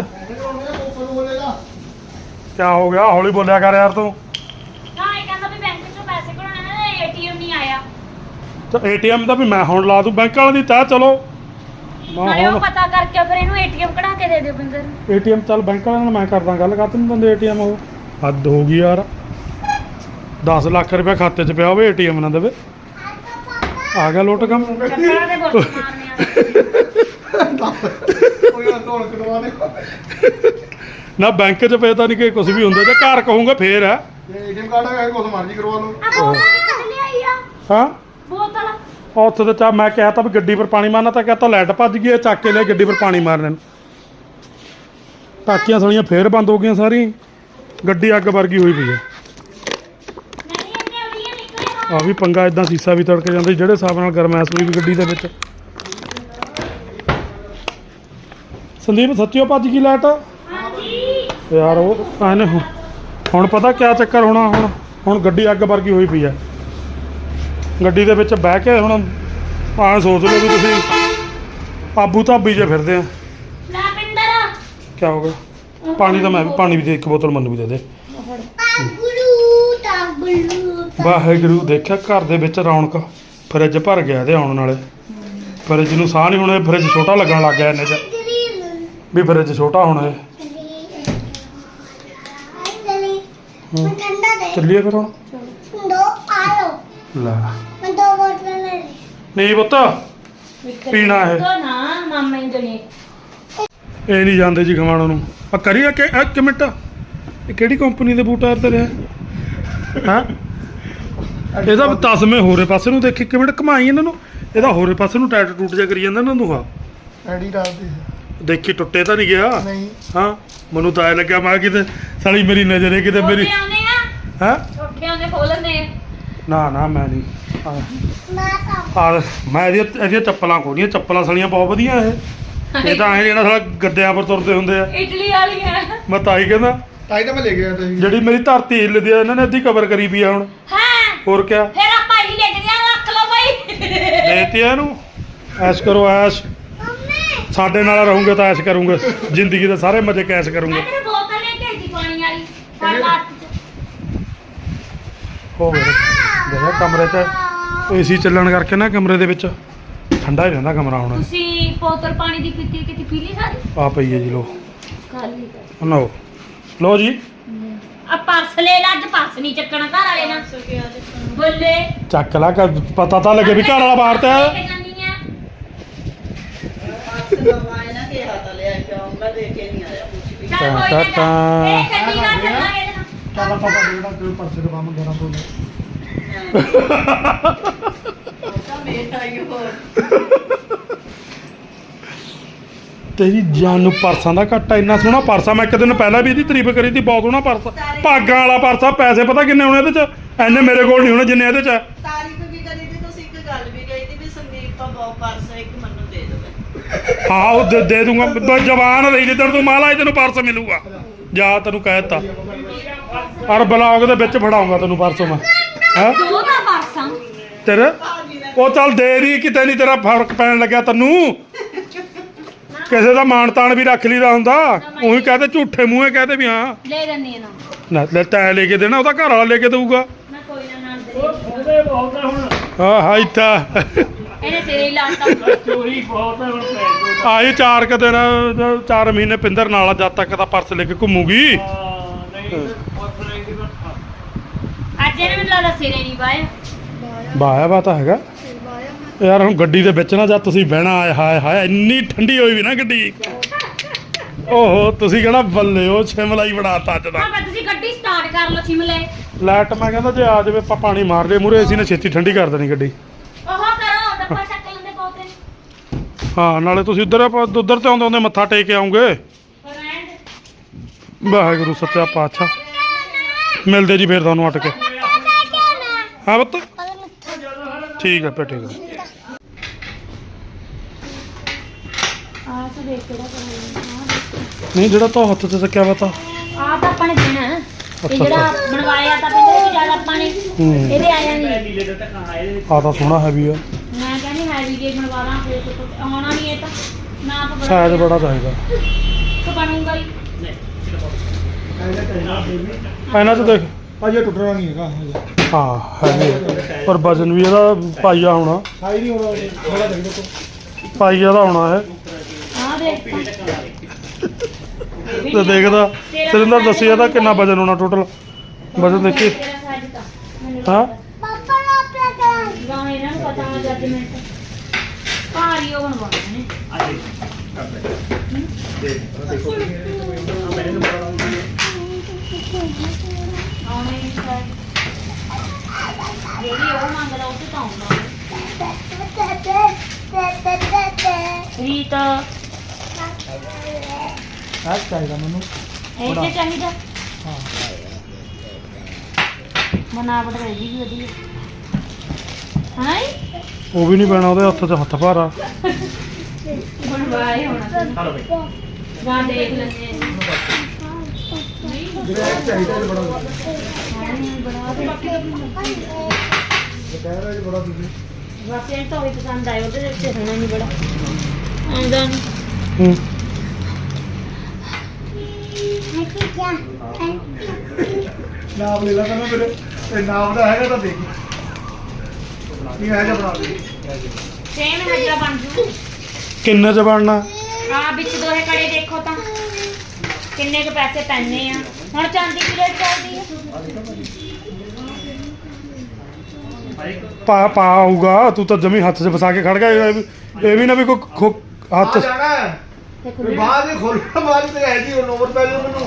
Speaker 2: ਕਿਆ ਹੋ ਗਿਆ? ਹੌਲੀ ਬੋਲਿਆ ਕਰ ਯਾਰ ਤੂੰ।
Speaker 1: ਹਾਂ ਇਹ ਕਹਿੰਦਾ ਵੀ ਬੈਂਕ ਚੋਂ ਪੈਸੇ ਕਢਾਉਣੇ ਨੇ, ਏਟੀਐਮ ਨਹੀਂ ਆਇਆ।
Speaker 2: ਤੇ ਏਟੀਐਮ ਦਾ ਵੀ ਮੈਂ ਹੁਣ ਲਾ ਦੂੰ, ਬੈਂਕ ਵਾਲੇ ਦੀ ਤੈਅ ਚਲੋ। ਮੈਂ
Speaker 1: ਨਾਲੇ ਉਹ
Speaker 2: ਹੁਣ
Speaker 1: ਪਤਾ ਕਰਕੇ ਫਿਰ ਇਹਨੂੰ ਏਟੀਐਮ ਕਢਾ ਕੇ ਦੇ ਦਿਓ ਬਿੰਦਰ ਨੂੰ।
Speaker 2: ਏਟੀਐਮ ਚੱਲ ਬੈਂਕ ਵਾਲਿਆਂ ਨਾਲ ਮੈਂ ਕਰਦਾ ਗੱਲ। ਕਾਹਤੇ ਨਹੀਂ ਦਿੰਦੇ ਏਟੀਐਮ? ਉਹ ਹੱਦ ਹੋ ਗਈ ਯਾਰ। ਦਸ ਲੱਖ ਰੁਪਏ ਖਾਤੇ 'ਚ ਪਿਆ ਹੋਵੇ, ਏਟੀਐਮ ਨਾ ਦੇਵੇ। ਆ ਗਿਆ ਲੋਟ ਕੰਮ।
Speaker 1: ਚੱਪਲਾਂ ਦੇ ਬੁਰਸ਼ ਮਾਰਨੇ ਆ।
Speaker 3: ਕੋਈ ਨਾ ਢੋਲ ਕਟਵਾ ਦੇ।
Speaker 2: ਨਾ ਬੈਂਕ 'ਚ ਪਏ ਤਾਂ ਨਹੀਂ ਕਿ ਕੁਝ ਵੀ ਹੁੰਦਾ, ਜੇ ਘਰ ਕਹੂੰਗਾ ਫੇਰ ਆ।
Speaker 3: ਜੇ ਏਟੀਐਮ ਕਾਰਡ ਹੈਗਾ ਕੁਝ ਮਰਜ਼ੀ ਕਰਵਾ ਲਓ।
Speaker 1: ਆ ਬੋਤਲ ਲੈ ਆਈ ਆ,
Speaker 2: ਹਾਂ
Speaker 1: ਬੋਤਲ।
Speaker 2: ਉੱਥੇ ਤੇ ਚਾ ਮੈਂ ਕਿਹਾ ਤਾਂ ਵੀ ਗੱਡੀ ਪਰ ਪਾਣੀ ਮਾਰਨਾ, ਤਾਂ ਕਹਤਾ ਲਾਈਟ ਭੱਜ ਗਈ, ਇਹ ਚੱਕ ਕੇ ਲਿਆ ਗੱਡੀ ਪਰ ਪਾਣੀ ਮਾਰਨੇ ਨੂੰ। ਟਾਕੀਆਂ ਸਾਲੀਆਂ ਫੇਰ ਬੰਦ ਹੋ ਗਈਆਂ ਸਾਰੀ, ਗੱਡੀ ਅੱਗ ਵਰਗੀ ਹੋਈ ਪਈ ਹੈ।
Speaker 1: ਨਹੀਂ ਇਹਨੇ ਉੜੀਆਂ ਨਿਕਲੇ।
Speaker 2: ਆ ਵੀ ਪੰਗਾ, ਇਦਾਂ ਸੀਸਾ ਵੀ ਤੜਕ ਜਾਂਦਾ ਜਿਹੜੇ ਹਿਸਾਬ ਨਾਲ ਗਰਮੈਸ਼ ਹੋਈ ਵੀ ਗੱਡੀ ਦੇ ਵਿੱਚ। ਸੰਦੀਪ ਸੱਚਿਓ ਭੱਜ ਗਈ ਲਾਈਟ
Speaker 1: ਹਾਂਜੀ
Speaker 2: ਯਾਰ। ਉਹ ਐਨੇ ਹੁਣ ਹੁਣ ਪਤਾ ਕਿਆ ਚੱਕਰ ਹੋਣਾ। ਹੁਣ ਹੁਣ ਗੱਡੀ ਅੱਗ ਵਰਗੀ ਹੋਈ ਪਈ ਹੈ। ਗੱਡੀ ਦੇ ਵਿੱਚ ਬਹਿ ਕੇ ਹੁਣ ਆਹ ਸੋਚ ਲਓ ਵੀ ਤੁਸੀਂ ਆਬੂ ਧਾਬੀ ਜੇ ਫਿਰਦੇ ਆ।
Speaker 1: ਲੈ ਬਿੰਦਰ
Speaker 2: ਕਿਆ ਹੋ ਗਿਆ? ਪਾਣੀ ਤਾਂ ਮੈਂ ਵੀ, ਪਾਣੀ ਵੀ ਦੇ, ਇੱਕ ਬੋਤਲ ਮੈਨੂੰ ਵੀ ਦੇ ਦੇ।
Speaker 5: ताबलू ताबलू
Speaker 2: ਵਾਹਿਗੁਰੂ। ਦੇਖਿਆ ਘਰ ਦੇ ਵਿੱਚ ਰੌਣਕ, ਫਰਿੱਜ ਭਰ ਗਿਆ ਇਹਦੇ ਆਉਣ ਨਾਲੇ। ਫਰਿੱਜ ਨੂੰ ਸਾਹ ਨਹੀਂ ਹੁਣ, ਇਹ ਫਰਿੱਜ ਛੋਟਾ ਲੱਗਣ ਲੱਗ ਗਿਆ ਇਹਨੇ 'ਚ ਵੀ, ਫਰਿੱਜ ਛੋਟਾ ਹੁਣ ਇਹ।
Speaker 5: मैं ठंडा दे
Speaker 2: ਚੱਲੀਏ ਫਿਰ ਹੁਣ।
Speaker 5: दो आलो
Speaker 2: ਲੈ
Speaker 5: मैं दो बोतल ले ली
Speaker 2: ਨਹੀਂ ਪੁੱਤ ਪੀਣਾ ਇਹ।
Speaker 1: ਤਾਂ ਨਾ ਮਾਮਾ ਹੀ ਦੇਣੇ।
Speaker 2: ਇਹ ਨਹੀਂ ਜਾਂਦੇ ਜੀ ਖਮਾਣੋ ਨੂੰ। ਆ ਕਰੀਏ ਕਿ ਇੱਕ ਮਿੰਟ, ਇਹ ਕਿਹੜੀ ਕੰਪਨੀ ਦੇ ਬੂਟ ਆ ਤੇ ਰਿਹਾ? ਹਾਂ ਇਹਦਾ ਤਸਮੇ ਹੋਰੇ ਪਾਸੇ ਨੂੰ ਦੇਖੀ, ਇੱਕ ਮਿੰਟ ਘਮਾਈ ਇਹਨਾਂ ਨੂੰ। ਇਹਦਾ ਹੋਰੇ ਪਾਸੇ ਨੂੰ ਟਾਇਟ ਟੂਟ ਜਾ ਕਰੀ ਜਾਂਦਾ ਇਹਨਾਂ ਨੂੰ। ਹਾਂ
Speaker 3: ਐਡੀ ਡਾਲਦੀ
Speaker 2: ਦੇਖੀ ਟੁੱਟੇ ਤਾਂ ਨਹੀਂ ਗਿਆ?
Speaker 3: ਨਹੀਂ
Speaker 2: ਹਾਂ ਮੈਨੂੰ ਤਾਂ ਐ ਲੱਗਿਆ ਮੈਂ ਕਿਤੇ ਸਾਲੀ ਮੇਰੀ ਨਜ਼ਰ ਹੈ ਕਿਤੇ ਮੇਰੀ।
Speaker 1: ਉੱਠੇ ਆਉਂਦੇ ਆ,
Speaker 2: ਹੈ
Speaker 1: ਉੱਠੇ ਆਉਂਦੇ ਖੋਲਣੇ ਆ।
Speaker 2: ਨਾ ਨਾ ਮੈਂ ਨਹੀਂ।
Speaker 5: मैं सब
Speaker 2: ਆ ਮੈਂ ਇਹਦੀਆਂ ਇਹਦੀਆਂ ਚੱਪਲਾਂ ਖੋਲੀਆਂ, ਚੱਪਲਾਂ ਸਾਲੀਆਂ ਬਹੁਤ ਵਧੀਆ ਇਹ। ਇਹ ਤਾਂ ਐ ਜਿਹੜਾ ਸਾਲਾ ਗੱਦਿਆਂ ਪਰ ਤੁਰਦੇ ਹੁੰਦੇ ਆ।
Speaker 1: ਇਟਲੀ ਵਾਲੀਆਂ।
Speaker 2: ਮੈਂ ਤਾਂ ਹੀ ਕਹਿੰਦਾ,
Speaker 3: ਤਾਈ ਤਾਂ ਮੈਂ ਲੈ ਗਿਆ ਤੁਸੀਂ।
Speaker 2: ਜਿਹੜੀ ਮੇਰੀ ਧਰਤੀ ਹਿੱਲਦੀ ਆ ਇਹਨਾਂ ਨੇ ਅੱਧੀ ਕਵਰ ਕਰੀ ਪਈ ਆ ਹੁਣ।
Speaker 1: ਹਾਂ
Speaker 2: ਹੋਰ ਕਿਆ
Speaker 1: ਫਿਰ ਆਪਾਂ ਹੀ ਲੈ ਕੇ ਰੱਖ ਲਓ ਬਾਈ।
Speaker 2: ਦੇਤੀ ਆ ਇਹਨੂੰ। ਐਸ਼ ਕਰੋ ਐਸ਼, ਸਾਡੇ ਨਾਲ ਰਹੋਗੇ ਤਾਂ ਐਸ਼ ਕਰੂੰਗੇ, ਜ਼ਿੰਦਗੀ ਦੇ ਸਾਰੇ ਮਜ਼ੇ ਕੈਸ਼ ਕਰੂੰਗੇ।
Speaker 1: ਮੈਂ ਤੈਨੂੰ ਬੋਤਲ ਲੈ ਕੇ ਆਈ ਸੀ ਪਾਣੀ ਵਾਲੀ, ਫੜ ਲਾ ਹੱਥ 'ਚ।
Speaker 2: ਹੋ ਗਿਆ ਦੇਖਿਆ ਕਮਰੇ 'ਚ ਏਸੀ ਚੱਲਣ ਕਰਕੇ ਨਾ ਕਮਰੇ ਦੇ ਵਿੱਚ ਠੰਡਾ ਹੀ ਰਹਿੰਦਾ ਕਮਰਾ ਹੁਣ।
Speaker 1: ਤੁਸੀਂ ਬੋਤਲ ਪਾਣੀ ਦੀ ਪੀਤੀ ਕਿਤੇ ਪੀ ਲਈ ਸਾਰੀ?
Speaker 2: ਆ ਪਈ ਹੈ ਜੀ ਲੋ।
Speaker 1: ਖਾਲੀ
Speaker 2: ਲਓ ਲਓ ਜੀ,
Speaker 1: ਆ ਪਰਸ ਲੈ ਲਾ, ਅੱਜ ਪਰਸ ਨਹੀਂ ਚੱਕਣਾ ਘਰ ਵਾਲੇ ਨਾਲ। ਬੱਲੇ
Speaker 2: ਚੱਕ ਲਾ, ਕ- ਪਤਾ ਤਾਂ ਲੱਗੇ ਵੀ ਘਰ ਵਾਲਾ ਬਾਹਰ ਤੇ
Speaker 1: ਲੈ
Speaker 2: ਆ।
Speaker 1: ਕੇ ਜਾਂਦੀ ਆ।
Speaker 4: ਨਾ ਕਿ ਹੱਥ ਲਿਆ ਕੇ ਆਉਂਗਾ, ਦੇ ਕੇ ਨਹੀਂ ਆਇਆ ਕੁਝ ਵੀ।
Speaker 1: ਚੱਲ ਕੋਈ ਨਾ
Speaker 2: ਟਾ-ਟਾ-ਟਾ।
Speaker 1: ਇਹ ਚੰਡੀਗੜ੍ਹ ਚੱਲਾਂਗੇ ਇਹਦੇ ਨਾਲ।
Speaker 3: ਚੱਲ ਆਪਾਂ ਜਿਹੜਾ ਕੋਈ ਪਰਸੇ ਦਾ ਕੰਮ ਕਰਾਂ ਤੋਂ
Speaker 4: ਤਾਂ ਮੇਰਾ ਹੀ ਹੋਰ
Speaker 2: ਤੇਰੀ ਜਾਨ ਨੂੰ ਪਰਸਾਂ ਦਾ ਘਾਟਾ। ਇੰਨਾ ਸੋਹਣਾ ਪਰਸਾ, ਮੈਂ ਇੱਕ ਦਿਨ ਪਹਿਲਾਂ ਵੀ ਇਹਦੀ ਤਾਰੀਫ ਕਰੀ ਸੀ, ਬਹੁਤ ਸੋਹਣਾ ਪਰਸਾ, ਭਾਗਾਂ ਵਾਲਾ ਪਰਸਾ। ਪੈਸੇ ਪਤਾ ਕਿੰਨੇ ਹੋਣੇ ਇਹਦੇ 'ਚ? ਐਨੇ ਮੇਰੇ ਕੋਲ ਨਹੀਂ ਹੋਣੇ ਜਿੰਨੇ ਇਹਦੇ 'ਚ ਆ।
Speaker 4: ਤਾਰੀਫ ਵੀ ਕਰੀ ਦੀ, ਤੁਸੀਂ ਇੱਕ ਗੱਲ ਵੀ ਕਹੀ ਦੀ ਵੀ ਸੰਦੀਪ ਤਾਂ ਬਹੁਤ ਪਰਸ ਇੱਕ ਮੈਨੂੰ ਦੇ ਦੇਵੇ।
Speaker 2: ਹਾਂ ਉਹ ਦੇ, ਦੇ ਦੂੰਗਾ ਬ- ਜਵਾਨ ਰਹੀ ਜਿੱਦਣ ਤੂੰ ਮਾਲਾ ਹੀ ਤੈਨੂੰ ਪਰਸ ਮਿਲੂਗਾ ਜਾ ਤੈਨੂੰ ਕਹਿ ਦਿੱਤਾ ਔਰ ਬਲੌਗ ਦੇ ਵਿੱਚ ਫੜਾਉਂਗਾ ਤੈਨੂੰ ਪਰਸੋਂ ਮੈਂ ਹੈ
Speaker 1: ਦੋ ਦਾ ਪਰਸਾਂ
Speaker 2: ਤੇਰੇ ਉਹ ਚੱਲ ਦੇ ਦੀ ਕਿਤੇ ਨਹੀਂ ਤੇਰਾ ਫਰਕ ਪੈਣ ਲੱਗਿਆ ਤੈਨੂੰ ਕਿਸੇ ਦਾ ਮਾਣ ਤਾਣ ਵੀ ਰੱਖ ਲਈਦਾ ਹੁੰਦਾ ਉਹੀ ਕਹਦੇ ਝੂਠੇ ਮੂੰਹੇ ਕਹਦੇ ਵੀ ਹਾਂ
Speaker 1: ਲੈ ਲੈਣੀ ਨਾ
Speaker 2: ਨਾ ਲੈ ਤੈਂ ਲੈ ਕੇ ਦੇਣਾ ਉਹਦਾ ਘਰ ਵਾਲਾ ਲੈ ਕੇ ਦੇਊਗਾ
Speaker 1: ਮੈਂ ਕੋਈ ਨਾ ਨਾਲ ਦੇ
Speaker 2: ਹਾਂ ਹਾਂ ਇੱਥਾ
Speaker 1: ਇਹਨੇ ਸਿਰੇ ਹੀ ਲਾਤਾ
Speaker 2: ਆਈ ਚਾਰ ਕੁ ਦਿਨ ਚਾਰ ਮਹੀਨੇ ਪਿੰਦਰ ਨਾਲ ਜਦ ਤੱਕ ਤਾਂ ਪਰਸ ਲੈ ਕੇ ਘੁੰਮੂਗੀ
Speaker 1: ਅੱਜ ਇਹਨੇ ਮੈਨੂੰ ਲੱਗਦਾ ਸਿਰੇ ਨਹੀਂ ਪਾਇਆ
Speaker 2: ਬਾਇਆ ਬਾ ਤਾਂ ਹੈਗਾ ਯਾਰ ਹੁਣ ਗੱਡੀ ਦੇ ਵਿੱਚ ਨਾ ਜਦ ਤੁਸੀਂ ਬਹਿਣਾ ਆਏ ਹਾਏ ਹਾਏ ਇੰਨੀ ਠੰਡੀ ਹੋਈ ਵੀ ਨਾ ਗੱਡੀ ਓਹੋ ਤੁਸੀਂ ਕਹਿਣਾ ਬੱਲੇ ਉਹ ਸ਼ਿਮਲਾ ਹੀ ਬਣਾਤਾ ਅੱਜ ਦਾ
Speaker 1: ਹਾਂ ਬਸ ਤੁਸੀਂ ਗੱਡੀ ਸਟਾਰਟ ਕਰ ਲਓ ਸ਼ਿਮਲੇ
Speaker 2: ਲਾਈਟ ਮੈਂ ਕਹਿੰਦਾ ਜੇ ਆ ਜਾਵੇ ਆਪਾਂ ਪਾਣੀ ਮਾਰ ਲਏ ਮੂਰੇ ਅਸੀਂ ਨੇ ਛੇਤੀ ਠੰਡੀ ਕਰ ਦੇਣੀ ਗੱਡੀ
Speaker 1: ਉਹ ਕਰੋ ਡੱਬਾ ਚੱਕ ਲੈਂਦੇ ਪੌਤੇ
Speaker 2: ਹਾਂ ਨਾਲੇ ਤੁਸੀਂ ਉੱਧਰ ਆਪਾਂ ਉੱਧਰ ਤੇ ਆਉਂਦੇ ਆਉਂਦੇ ਮੱਥਾ ਟੇਕ ਕੇ ਆਉਂਗੇ
Speaker 1: ਫਰੈਂਡ
Speaker 2: ਵਾਹਿਗੁਰੂ ਸੱਚਾ ਪਾਤਸ਼ਾਹ ਮਿਲਦੇ ਜੀ ਫੇਰ ਤੁਹਾਨੂੰ ਅਟ ਕੇ ਹਾਂ ਬੱਤ ਠੀਕ ਹੈ ਪੇ ਠੀਕ ਹੈ
Speaker 1: ਆਹ ਤਾਂ ਦੇਖ ਕਿਹੜਾ ਕਰਨਾ
Speaker 2: ਨਹੀਂ ਜਿਹੜਾ ਤਾਂ ਹੱਥ 'ਚ ਚੱਕਿਆ ਵਾ ਤਾਂ
Speaker 1: ਆਹ ਤਾਂ ਆਪਾਂ ਨੇ ਦੇਣਾ ਹੈ।
Speaker 2: ਅੱਛਾ,
Speaker 1: ਇਹ ਜਿਹੜਾ ਬਣਵਾਇਆ ਤਾਂ ਪਿੰਦੇ ਵੀ ਜ਼ਿਆਦਾ ਆਪਾਂ ਨੇ
Speaker 2: ਹੂੰ
Speaker 1: ਇਹਦੇ ਆਇਆ ਨਹੀਂ
Speaker 2: ਆ ਤਾਂ ਸੋਹਣਾ ਹੈਵੀ ਆ
Speaker 1: ਮੈਂ ਕਹਿੰਦੀ ਹੈਵੀ ਜੇ ਬਣਵਾ ਲਾਂ ਫਿਰ ਤੋਂ ਆਉਣਾ ਨਹੀਂ ਇਹ ਤਾਂ ਨਾ ਆਪਾਂ ਬਣਾ
Speaker 2: ਸਾਈਜ਼ ਬੜਾ ਚਾਹੀਦਾ
Speaker 1: ਤਾਂ ਬਣੂਗਾ ਹੀ
Speaker 2: ਇਹਨਾਂ 'ਚ ਦੇਖ
Speaker 3: ਅਜੇ ਟੁੱਟਣਾ ਨਹੀਂ ਹੈਗਾ ਹਜੇ
Speaker 2: ਹਾਂ ਹੈਵੀ ਆ। ਪਰ ਵਜਨ ਵੀ ਇਹਦਾ ਪਾਈਆ ਹੋਣਾ
Speaker 3: ਸਾਈ ਨਹੀਂ ਹੋਣਾ ਥੋੜਾ ਦੇਖ ਦੇਖੋ
Speaker 2: ਪਾਈਆ ਦਾ ਹੋਣਾ ਹੈ
Speaker 1: ਆਹ ਦੇਖ
Speaker 2: ਤੇ ਦੇਖਦਾ ਸਰਿੰਦਰ ਦੱਸੀ ਇਹਦਾ ਕਿੰਨਾ ਵਜਨ ਹੋਣਾ ਟੋਟਲ ਵਜਨ ਦੇਖੀ
Speaker 1: ਤੇਰਾ ਸਾਈਜ਼ ਤਾਂ ਮੈਨੂੰ
Speaker 2: ਹਾਂ
Speaker 5: ਪਾਪਾ ਨੂੰ ਆਪਣਾ ਕਰਾਂ
Speaker 1: ਗਾਉਂ ਇਹਨਾਂ ਨੂੰ ਪਤਾ ਹੋਣਾ ਜੱਜਮੈਂਟ ਭਾਰੀ ਉਹ ਬਣਵਾਉਣੇ ਨੇ ਆਉਣੇ ਨਹੀਂ ਸ਼ਾਇਦ ਜਿਹੜੀ ਉਹ ਮੰਗਦਾ ਉਹ ਤਾਂ ਆਉਂਦਾ ਰੀਤ
Speaker 3: ਆਹ ਚਾਹੀਦਾ ਮੈਨੂੰ
Speaker 1: ਇਹ ਤੇ ਚਾਹੀਦਾ
Speaker 3: ਹਾਂ
Speaker 1: ਬਣਾਵਟ ਰਹੇਗੀ ਵੀ ਵਧੀਆ ਹਾਂ
Speaker 2: ਉਹ ਵੀ ਨਹੀਂ ਪੈਣਾ ਉਹਦੇ ਹੱਥ 'ਚ ਹੱਥ ਭਾਰਾ
Speaker 1: ਬਣਵਾਏ ਹੋਣਾ ਜਾਂ ਦੇਖ ਲੈਂਦੇ
Speaker 3: ਜਿਹੜਾ ਚਾਹੀਦਾ ਇਹ ਬੜਾ
Speaker 1: ਹਾਂ ਬਣਾ ਦੇ
Speaker 3: ਕਹਿ ਰਿਹਾ ਜੀ ਬੜਾ ਤੁਸੀਂ
Speaker 1: ਬਸ ਇਹ ਤਾਂ ਵੀ ਪਸੰਦ ਆਇਆ ਉਹਦੇ ਵਿੱਚ ਹੋਣਾ ਨਹੀਂ ਬੜਾ ਆਉਂਦਾ ਨਹੀਂ
Speaker 2: ਹੂੰ
Speaker 3: ਨਾਮ ਲੈ ਲਾ ਕਹਿੰਦਾ ਮੇਰੇ ਤੇ ਨਾਮ ਦਾ ਹੈਗਾ ਤਾਂ ਦੇਖੀ ਕੀ ਹੈ ਜਾਂ ਬਣਾ ਦੇ
Speaker 1: ਸੇਮ ਹਜਰਾ ਬਣ ਜੂ
Speaker 2: ਕਿੰਨੇ 'ਚ ਬਣਨਾ
Speaker 1: ਆ ਵਿੱਚ ਦੋਹੇ ਕੜੇ ਦੇਖੋ ਤਾਂ ਕਿੰਨੇ ਕੁ ਪੈਸੇ ਪੈਣੇ ਆ ਹੁਣ ਚਾਂਦੀ ਕੀ ਰੇਟ ਚੱਲਦੀ ਹੈ
Speaker 2: ਪਾ ਪਾ ਆਊਗਾ ਤੂੰ ਤਾਂ ਜਮੀ ਹੱਥ 'ਚ ਫਸਾ ਕੇ ਖੜ ਗਿਆ ਇਹ ਵੀ- ਇਹ ਵੀ ਨਾ ਵੀ ਕੋਈ ਖੋ- ਹੱਥ
Speaker 3: ਆ ਜਾਣਾ ਹੈ
Speaker 1: ਤੇ
Speaker 3: ਫਿਰ
Speaker 1: ਖੁੱਲ੍ਹਣਾ।
Speaker 3: ਬਾਅਦ ਹੀ ਖੋਲਣਾ ਬਾਅਦ ਤੇ ਹੈ ਜੀ ਉਹ ਨੰਬਰ ਪੈ ਜਾਓ ਮੈਨੂੰ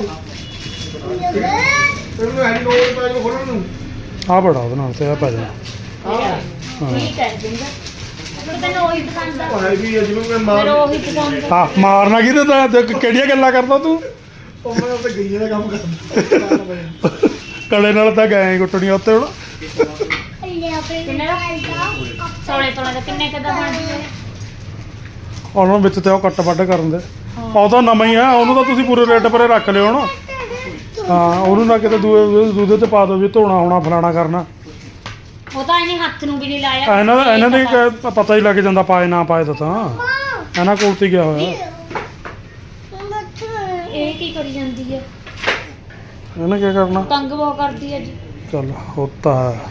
Speaker 3: ਮੈਨੂੰ ਹੈ ਨੰਬਰ ਪੈ ਜਾਓ ਖੋਲਣ ਨੂੰ
Speaker 2: ਆ ਬੜਾ ਉਹਦੇ ਨਾਲ ਤੇ ਆ ਪੈ ਜਾਣਾ
Speaker 1: ਠੀਕ ਹੈ ਜਿੰਦਾ ਮੈਨੂੰ ਤੈਨੂੰ ਉਹੀ ਪਸੰਦ ਆ
Speaker 3: ਉਹ ਹੈ ਵੀ ਜਿਵੇਂ ਮੈਂ
Speaker 1: ਫਿਰ
Speaker 3: ਮਾਰ
Speaker 1: ਉਹੀ ਪਸੰਦ ਆ
Speaker 2: ਹਾਂ ਮਾਰਨਾ ਕੀ ਤੇ ਤਾਂ ਕਿਹੜੀਆਂ ਗੱਲਾਂ ਕਰਦਾ ਤੂੰ
Speaker 3: ਉਹ ਮੈਂ ਉੱਤੇ ਗਈਏ ਦਾ ਕੰਮ ਕਰਦਾ
Speaker 2: ਕਲੇ ਨਾਲ ਤਾਂ ਗਏ ਗੁੱਟਣੀਆਂ ਉੱਤੇ ਹੁਣ
Speaker 1: ਕਿੰਨੇ ਦਾ ਸੋਲੇ ਤੋਲੇ ਦਾ ਕਿੰਨੇ ਕਦਾ ਬਣ ਜੂਗਾ
Speaker 2: ਉਹਨਾਂ ਵਿੱਚ ਤੇ ਉਹ ਕੱਟ ਵੱਢ ਕਰਨ ਦੇ ਉਹ ਤਾਂ ਨਵਾਂ ਹੀ ਆ ਉਹਨੂੰ ਤਾਂ ਤੁਸੀਂ ਪੂਰੇ ਰੇਟ ਪਰੇ ਰੱਖ ਲਿਓ ਨਾ ਹਾਂ ਉਹਨੂੰ ਨਾ ਕਿਤੇ ਦੂਏ ਦੂਜੇ ਤੇ ਪਾ ਦਿਓ ਵੀ ਧੋਣਾ ਹੋਣਾ ਫਲਾਣਾ ਕਰਨਾ
Speaker 1: ਉਹ ਤਾਂ ਇਹਨੇ ਹੱਥ ਨੂੰ ਵੀ ਨਹੀਂ ਲਾਇਆ
Speaker 2: ਇਹਨਾਂ ਦਾ ਇਹਨਾਂ ਦੀ ਕ- ਪਤਾ ਹੀ ਲੱਗ ਜਾਂਦਾ ਪਾਏ ਨਾ ਪਾਏ ਤਾਂ ਤਾਂ ਇਹਨਾਂ ਕੋਲ ਤੇ ਗਿਆ ਹੋਇਆ
Speaker 1: ਇਹ ਕੀ ਕਰੀ ਜਾਂਦੀ ਹੈ
Speaker 2: ਇਹਨੇ ਕੀ ਕਰਨਾ
Speaker 1: ਤੰਗ ਬਹੁਤ ਕਰਦੀ ਹੈ ਜੀ
Speaker 2: ਚੱਲ ਹੋਤਾ ਹੈ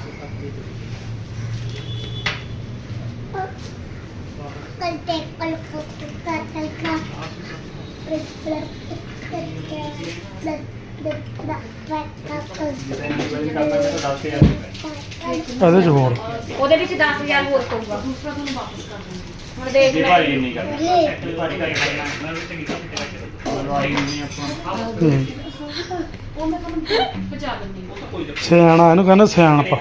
Speaker 5: कल टेक कल फोटो का कल का प्लस प्लस
Speaker 2: ਇਹਦੇ 'ਚ ਹੋਰ
Speaker 1: ਉਹਦੇ ਵਿੱਚ ਦਸ ਹਜ਼ਾਰ ਹੋਰ ਪਊਗਾ ਦੂਸਰਾ ਤੁਹਾਨੂੰ ਵਾਪਸ ਕਰ ਦਿੰਦੇ ਹੁਣ ਦੇਖ ਲੈ
Speaker 2: ਹੂੰ।
Speaker 1: ਉਹ ਮੈਂ ਤੁਹਾਨੂੰ ਪਹੁੰਚਾ ਦਿੰਦੀ ਹਾਂ
Speaker 2: ਸਿਆਣਾ ਇਹਨੂੰ ਕਹਿੰਦੇ ਸਿਆਣਪਾ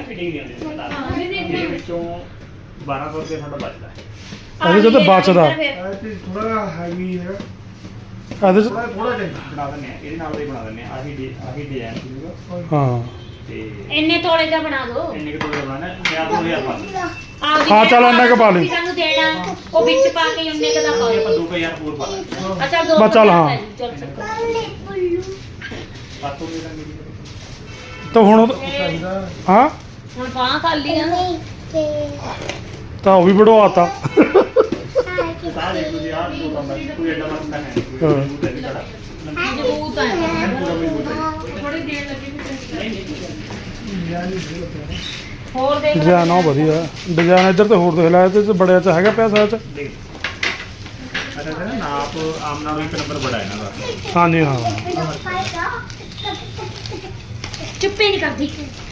Speaker 6: ਬਾਰਾਂ ਸੌ ਰੁਪਏ ਸਾਡਾ ਬਚਦਾ ਹੈ
Speaker 2: ਇਹਦੇ 'ਚ ਤਾਂ ਬਚਦਾ
Speaker 3: ਇਹ ਤੇ ਥੋੜਾ ਹੈਵੀ ਹੈ
Speaker 2: ਇਹਦੇ 'ਚ
Speaker 3: ਥੋੜਾ ਥੋੜਾ ਚਾਹੀਦਾ
Speaker 6: ਬਣਾ ਦਿੰਦੇ ਆ ਇਹਦੇ ਨਾਲ ਦਾ ਹੀ ਬਣਾ ਦਿੰਦੇ ਆ ਆਹੀ ਡੀ- ਆਹੀ ਡਿਜ਼ਾਈਨ ਸੀਗਾ
Speaker 2: ਹਾਂ
Speaker 6: ਤੇ
Speaker 1: ਇੰਨੇ ਤੋਲੇ ਦਾ ਬਣਾ ਦਿਓ
Speaker 6: ਇੰਨੇ ਕੁ ਤੋਲੇ ਬਣਾਣਾ ਪੰਜਾਹ ਦੋ ਹਜ਼ਾਰ ਪਾ ਦਿੰਦੇ
Speaker 1: ਆਪਦੀ
Speaker 2: ਹਾਂ, ਚੱਲ ਇੰਨਾ ਕੁ ਪਾ ਲਈ।
Speaker 1: ਤੁਸੀਂ ਸਾਨੂੰ ਦੇਣਾ ਉਹ ਵਿੱਚ ਪਾ ਕੇ ਉਹਨੇ ਕਦਾ ਪਾ
Speaker 6: ਆਪਾਂ
Speaker 1: ਲਓ।
Speaker 6: ਦੋ ਕੁ ਹਜ਼ਾਰ ਹੋਰ ਪਾ ਲਾਂਗੇ
Speaker 1: ਅੱਛਾ ਦੋ
Speaker 2: ਬਸ ਚੱਲ, ਹਾਂ।
Speaker 1: ਚੱਲ ਚੱਲ।
Speaker 6: ਸਾਤੋਂ ਦੇ ਦਾਂਗੇ ਜੀ।
Speaker 2: ਤਾਂ ਹੁਣ ਉਹ- ਹਾਂ
Speaker 1: ਹੁਣ ਬਾਂਹ ਕਰ ਲਈ ਆ
Speaker 5: ਨਹੀਂ ਤੇ
Speaker 2: ਤਾਂ ਉਹ ਵੀ ਵੜਵਾਤਾ
Speaker 6: ਸਾਹ ਦੇ ਤੁਸੀਂ ਆਹ ਦੋ ਕੰਮ ਬਸ ਕੋਈ ਐਡਾ ਮਸਲਾ ਹੈ ਨਹੀਂ ਕੋਈ
Speaker 2: ਹਾਂ।
Speaker 6: ਮਜ਼ਬੂਤ ਹੈ ਨਹੀਂ ਸਾਡਾ
Speaker 1: ਮਜ਼ਬੂਤ ਹੈ
Speaker 6: ਪੂਰਾ ਮਜ਼ਬੂਤ ਹੈ
Speaker 1: ਥੋੜੀ ਦੇਰ ਲੱਗੀ
Speaker 6: ਨਹੀਂ ਨਹੀਂ
Speaker 3: ਯਾਰ ਨਹੀਂ ਦੇ ਲੱਗਿਆ
Speaker 1: ਹੋਰ ਦੇਖ ਲੈ।
Speaker 2: ਡਿਜ਼ਾਈਨ ਉਹ ਵਧੀਆ ਡਿਜ਼ਾਈਨ ਇੱਧਰ ਤੇ ਹੋਰ ਦੇਖ ਲੈ ਇਹਦੇ ਚ ਬੜਿਆ ਚ ਹੈਗਾ ਪੈਸਾ ਚ
Speaker 6: ਦੇਖ ਅੱਛਾ ਅੱਛਾ ਨਾਪ ਆਮ ਨਾਲੋਂ ਇੱਕ ਨੰਬਰ ਬੜਾ ਹੈ ਨਾ ਦਾ
Speaker 2: ਹਾਂਜੀ ਹਾਂ
Speaker 5: ਪਾਏਗਾ
Speaker 1: ਚੁੱਪੇ ਨਹੀਂ ਕਰਦੀ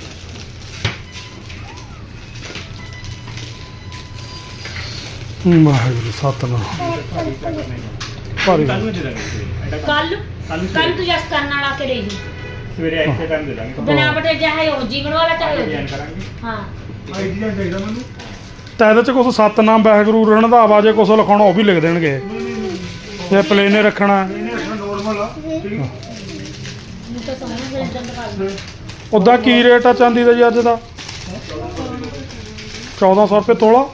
Speaker 2: ਵਾਹਿਗੁਰੂ ਸਤਨਾਮ ਭਾਰੀ
Speaker 6: ਕੱਲ ਨੂੰ ਦੇ ਦਾਂਗੇ ਐਡਾ
Speaker 1: ਕੱਲ
Speaker 6: ਕੱਲ
Speaker 1: ਕੱਲ ਤੂੰ ਜਸ ਕਰਨ ਵਾਲਾ ਕੇ ਰਹੀ
Speaker 6: ਸਵੇਰੇ ਇੱਥੇ ਟਾਈਮ ਦੇ ਦਾਂਗੇ
Speaker 1: ਬਨਾਵਟ ਚਾਹੇ ਉਹ ਜੀਵਨ ਵਾਲਾ ਚਾਹੇ ਉਹ
Speaker 6: ਡਿਜ਼ਾਈਨ
Speaker 1: ਜੀ।
Speaker 6: ਕਰਾਂਗੇ
Speaker 1: ਹਾਂ
Speaker 3: ਆਈਡੀਆ ਚਾਹੀਦਾ ਮੈਨੂੰ
Speaker 2: ਤਾਂ ਇਹਦੇ ਚ ਕੁਛ ਸਤਨਾਮ ਵਾਹਿਗੁਰੂ ਰਣਧਾਵਾ ਜੇ ਕੁਛ ਲਿਖਾਉਣਾ ਉਹ ਵੀ ਲਿਖ ਦੇਣਗੇ ਜੇ ਪਲੇਨੇ ਰੱਖਣਾ
Speaker 3: ਇਹਨੇ ਨੋਰਮਲ ਆ ਠੀਕ
Speaker 1: ਮੈਨੂੰ ਤਾਂ ਸਮਝ ਨਹੀਂ ਜਾਂਦਾ ਕਰ
Speaker 2: ਉਦਾਂ ਕੀ ਰੇਟ ਆ ਚਾਂਦੀ ਦਾ ਜੀ ਅੱਜ ਦਾ ਚੌਦਾਂ ਸੌ ਰੁਪਏ ਤੋਲਾ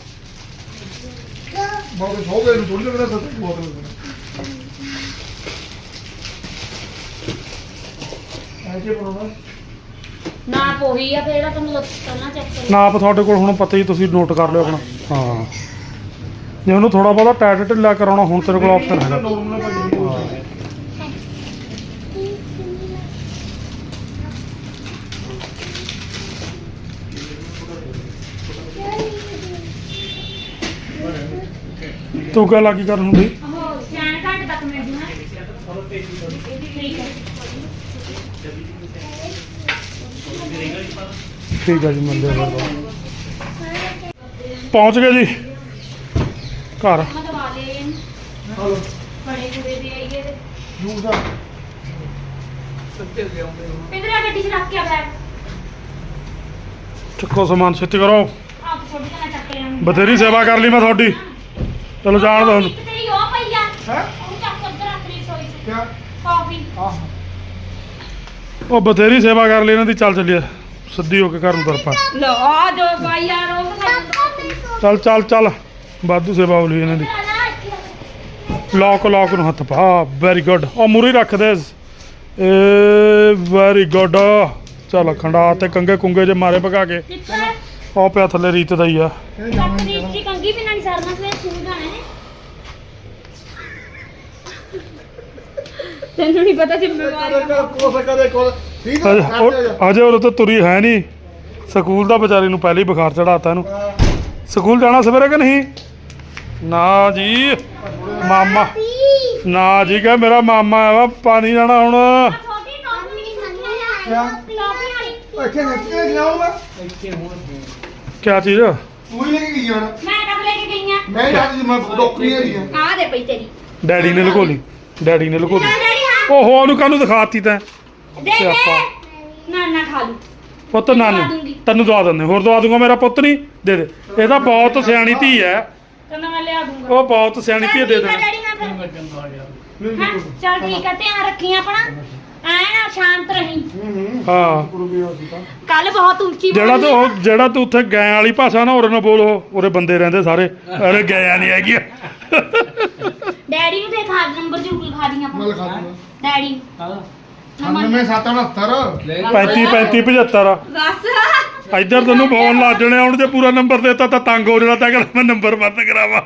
Speaker 3: ਬਹੁਤ ਹੋ ਗਏ ਨੂੰ ਥੋੜੀ ਲੱਗਦਾ ਸੱਤ ਬਹੁਤ ਲੱਗਦਾ ਐਸੇ ਬਣਾਉਣਾ
Speaker 1: ਨਾ ਪੋਹੀ ਆ ਫੇਰ ਇਹਦਾ ਤੁਹਾਨੂੰ ਦੱਸ ਪਹਿਲਾਂ ਚੈੱਕ ਕਰੋ
Speaker 2: ਨਾਪ ਤੁਹਾਡੇ ਕੋਲ ਹੁਣ ਪਤਾ ਹੀ ਤੁਸੀਂ ਨੋਟ ਕਰ ਲਿਓ ਆਪਣਾ ਹਾਂ ਜੇ ਉਹਨੂੰ ਥੋੜਾ ਬਹੁਤਾ ਟਾਈਟ ਢਿੱਲਾ ਕਰਾਉਣਾ ਹੁਣ ਤੇਰੇ ਕੋਲ ਆਪਸ਼ਨ ਹੈਗਾ
Speaker 3: ਨੋਰਮਲ ਭਾਜੀ
Speaker 2: ਤੂੰ ਕਿਆ ਲੱਗੀ ਕਰਨ ਨੂੰ ਬਈ
Speaker 1: ਉਹ ਸਿਆਣ ਘੰਟੇ ਤੱਕ ਮਿਲ ਜੂ ਹੈ ਠੀਕ ਹੈ
Speaker 2: ਠੀਕ ਹੈ ਜੀ ਮਿਲਦੇ ਹਾਂ ਫਿਰ। ਪਹੁੰਚ ਗਏ ਜੀ ਘਰ
Speaker 1: ਮੈਂ ਦਵਾ ਲੈ
Speaker 3: ਹਲੋ
Speaker 1: ਬੜੇ ਕੁੜੇ ਦੇ ਆਈਏ ਤੇ
Speaker 3: ਜੂਸ ਆ
Speaker 1: ਪਿੰਦਰਾ ਗੱਡੀ 'ਚ ਰੱਖ ਕੇ ਆ ਬੈਗ
Speaker 2: ਚੱਕੋ ਸਮਾਨ ਛੇਤੀ ਕਰੋ
Speaker 1: ਆਪ ਛੋਟੀ ਜਿਹੀ ਚੱਕ ਕੇ ਆਉਂ
Speaker 2: ਬਥੇਰੀ ਸੇਵਾ ਕਰ ਲਈ ਮੈਂ ਤੁਹਾਡੀ ਚਲੋ ਜਾਣ ਦੋ ਹੁਣ
Speaker 1: ਇੱਕ ਤੇਰੀ ਉਹ ਪਈ ਆ
Speaker 3: ਹੈ
Speaker 1: ਉਹ ਚੱਕ ਕੇ ਉੱਧਰ ਰੱਖ ਲਈ ਸੋਈ 'ਚ
Speaker 3: ਕਿਆ
Speaker 1: ਕਾਫੀ
Speaker 3: ਆਹ
Speaker 2: ਉਹ ਬਥੇਰੀ ਸੇਵਾ ਕਰ ਲਈ ਇਹਨਾਂ ਦੀ ਚੱਲ ਚੱਲੀਏ ਸਿੱਧੀ ਹੋ ਕੇ ਘਰ ਨੂੰ ਤੁਰ ਪਾ
Speaker 1: ਲੋ ਆ ਜੋ ਬਾਈ ਯਾਰ ਉਹ
Speaker 2: ਚੱਲ ਚੱਲ ਚੱਲ ਵਾਧੂ ਸੇਵਾ ਹੋ ਲਈ ਇਹਨਾਂ ਦੀ ਲੌਕ ਲੌਕ ਨੂੰ ਹੱਥ ਪਾ ਵੈਰੀ ਗੁੱਡ ਉਹ ਮੂਰੀ ਰੱਖ ਦੇ ਏ ਵੈਰੀ ਗੁੱਡ ਚੱਲ ਖੰਡਾ ਤੇ ਕੰਗੇ ਕੁੰਗੇ ਜੇ ਮਾਰੇ ਭਗਾ ਕੇ ਉਹ ਪਿਆ ਥੱਲੇ ਰੀਤ ਦਾ ਹੀ ਆ
Speaker 3: ਇਹ ਜਾਣਾ ਨਹੀਂ
Speaker 1: ਤਕਰੀਬ ਦੀ ਕੰਗੀ ਵੀ ਨਹੀਂ ਸਰਨਾ ਸਵੇ ਸਕੂਲ ਜਾਣਾ ਹੈ ਤੈਨੂੰ ਨਹੀਂ ਪਤਾ ਜ਼ਿੰਮੇਵਾਰੀ
Speaker 3: ਕਦੇ ਕੋ ਸਕਦੇ ਕੋ ਠੀਕ ਆ
Speaker 2: ਅਜੇ ਉਹ- ਅਜੇ ਉਹ ਤਾਂ ਤੁਰੀ ਹੈ ਨਹੀਂ ਸਕੂਲ ਦਾ ਵਿਚਾਰੀ ਨੂੰ ਪਹਿਲੇ ਹੀ ਬੁਖਾਰ ਚੜਾਤਾ ਇਹਨੂੰ ਸਕੂਲ ਜਾਣਾ ਸਵੇਰੇ ਕਿ ਨਹੀਂ ਨਾ ਜੀ ਮਾਮਾ ਨਾ ਜੀ ਕਹ ਮੇਰਾ ਮਾਮਾ ਆ ਵਾ ਪਾਣੀ ਜਾਣਾ ਹੁਣ
Speaker 1: ਛੋਟੀ ਟੋਪੀ ਨਹੀਂ ਮੰਗਿਆ
Speaker 3: ਕਿਆ
Speaker 1: ਟੋਪੀ ਵਾਲੀ
Speaker 3: ਇੱਥੇ ਨੱਚੇ ਜਾਊਂਗਾ
Speaker 2: ਕਿਆ ਚੀਜ਼
Speaker 3: ਤੂੰ ਹੀ ਲੈ ਕੇ ਗਈ ਹੁਣ
Speaker 1: ਮੈਂ ਕਦ ਲੈ ਕੇ ਗਈ ਆ
Speaker 3: ਮੈਂ ਅੱਜ ਮੈਂ ਡੋਕਰੀ ਹੈਗੀ ਆ
Speaker 1: ਆ ਦੇ ਪਈ ਤੇਰੀ
Speaker 2: ਡੈਡੀ ਨੇ ਲੁਕੋ ਲਈ ਡੈਡੀ ਨੇ ਲੁਕੋ
Speaker 1: ਨਾ
Speaker 2: ਲਈ
Speaker 1: ਡੈਡੀ ਹਾਂ
Speaker 2: ਓਹੋ ਉਹਨੂੰ ਕਾਹਨੂੰ ਦਿਖਾਤੀ ਤੈਂ
Speaker 1: ਦੇ ਦੇ
Speaker 2: ਸਿਆਪਾ।
Speaker 1: ਨਾ ਨਾ ਖਾ ਲੂ
Speaker 2: ਪੁੱਤ ਨਾਨੀ ਤੈਨੂੰ ਦਵਾ ਦਿੰਦੇ ਹੋਰ ਦਵਾ ਦੂੰਗਾ ਮੇਰਾ ਪੁੱਤ ਨਹੀਂ ਦੇ ਦੇ ਇਹ ਤਾਂ ਬਹੁਤ ਸਿਆਣੀ ਧੀ ਹੈ
Speaker 1: ਕਹਿੰਦਾ ਮੈਂ ਲਿਆ ਦੂੰਗਾ
Speaker 2: ਉਹ ਬਹੁਤ ਸਿਆਣੀ ਧੀ ਹੈ, ਦੇ
Speaker 1: ਚੱਲ ਠੀਕ ਆ
Speaker 2: ਦੇ
Speaker 1: ਡੈਡੀ ਹਾਂ ਫਿਰ
Speaker 3: ਨਹੀਂ
Speaker 1: ਹਾਂ
Speaker 3: ਨਹੀਂ
Speaker 1: ਚੱਲ ਠੀਕ ਆ ਧਿਆਨ ਰੱਖੀ ਆਪਣਾ ਐ ਨਾ ਸ਼ਾਂਤ ਰਹੀਂ
Speaker 3: ਹੂੰ ਹੂੰ
Speaker 2: ਹਾਂ
Speaker 3: ਕੁਰਬੀ ਹੋ ਸੀ ਤਾਂ
Speaker 1: ਕੱਲ ਬਹੁਤ ਉੱਚੀ
Speaker 2: ਜਿਹੜਾ
Speaker 1: ਬੋਲੀ
Speaker 2: ਤੂੰ
Speaker 1: ਆ।
Speaker 2: ਉਹ- ਜਿਹੜਾ ਤੂੰ ਉੱਥੇ ਗੈਂ ਵਾਲੀ ਭਾਸ਼ਾ ਨਾ ਉਰੇ ਨਾ ਬੋਲ ਉਹ ਉਰੇ ਬੰਦੇ ਰਹਿੰਦੇ ਸਾਰੇ ਅਰੇ ਗਿਆ ਨਹੀਂ ਹੈਗੀ
Speaker 1: ਡੈਡੀ ਨੂੰ ਦੇਖ ਹਾਰ ਨੰਬਰ ਜ਼ਰੂਰ ਲਿਖਾ ਦੀ
Speaker 3: ਮੈਂ
Speaker 1: ਆਪਾਂ
Speaker 3: ਲਿਖਾ ਦੂੰਗਾ
Speaker 1: ਡੈਡੀ
Speaker 3: ਅਠਾਨਵੇਂ ਸੱਤ ਉਣਹੱਤਰ
Speaker 2: ਪੈਂਤੀ ਪੈਂਤੀ ਪਝੱਤਰ
Speaker 1: ਬਸ
Speaker 2: ਇੱਧਰ ਤੈਨੂੰ ਫੋਨ ਲਾ ਜਣੇ ਹੁਣ ਜੇ ਪੂਰਾ ਨੰਬਰ ਦੇਤਾ ਤਾਂ ਤੰਗ ਹੋ ਜਾਣਾ ਤਾਂ ਕਿ ਮੈਂ ਨੰਬਰ ਬੰਦ ਕਰਾਵਾਂ